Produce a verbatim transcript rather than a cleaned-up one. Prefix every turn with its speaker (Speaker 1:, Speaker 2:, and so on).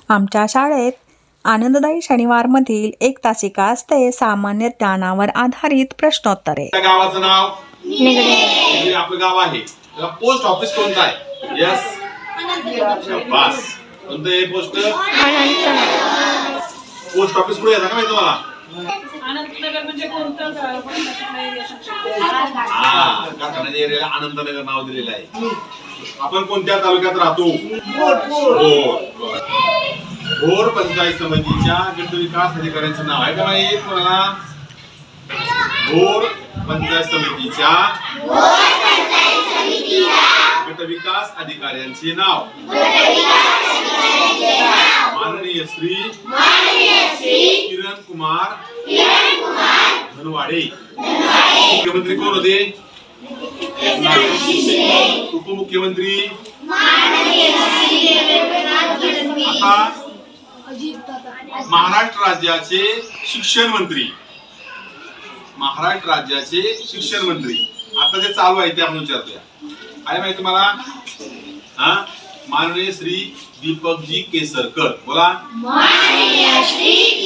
Speaker 1: आमच्या शाळेत आनंददायी शनिवारमधील एक तासिका असते सामान्य ज्ञानावर आधारित प्रश्नोत्तरे.
Speaker 2: त्या गावाचं नाव निगडे. आपलं गाव आहे त्याला पोस्ट ऑफिस कोणतं आहे? यस, शाबास. कोणतं आहे पोस्ट? पोस्ट ऑफिस कुठे आहे माहिती तुम्हाला?
Speaker 3: अनंतनगर म्हणजे कोणतं गाव?
Speaker 2: हा, कारखान्याच्या एरियाला अनंतनगर नाव दिलेलं आहे. आपण कोणत्या तालुक्यात राहतो? भोर. भोर पंचायत समितीच्या गट विकास अधिकाऱ्यांचं नाव आहे का माहित तुम्हाला? भोर पंचायत समितीच्या गट विकास अधिकाऱ्यांचे नाव माननीय श्री किरण कुमार धनवाडे. मुख्यमंत्री कोण होते? उपमुख्यमंत्री आता महाराष्ट्र राज्याचे शिक्षण मंत्री. महाराष्ट्र राज्याचे शिक्षण मंत्री आता जे चालू आहे ते आपण विचारतोय. आहे माहिती तुम्हाला? हा, माननीय श्री दीपकजी केसरकर. बोला. माननीय श्री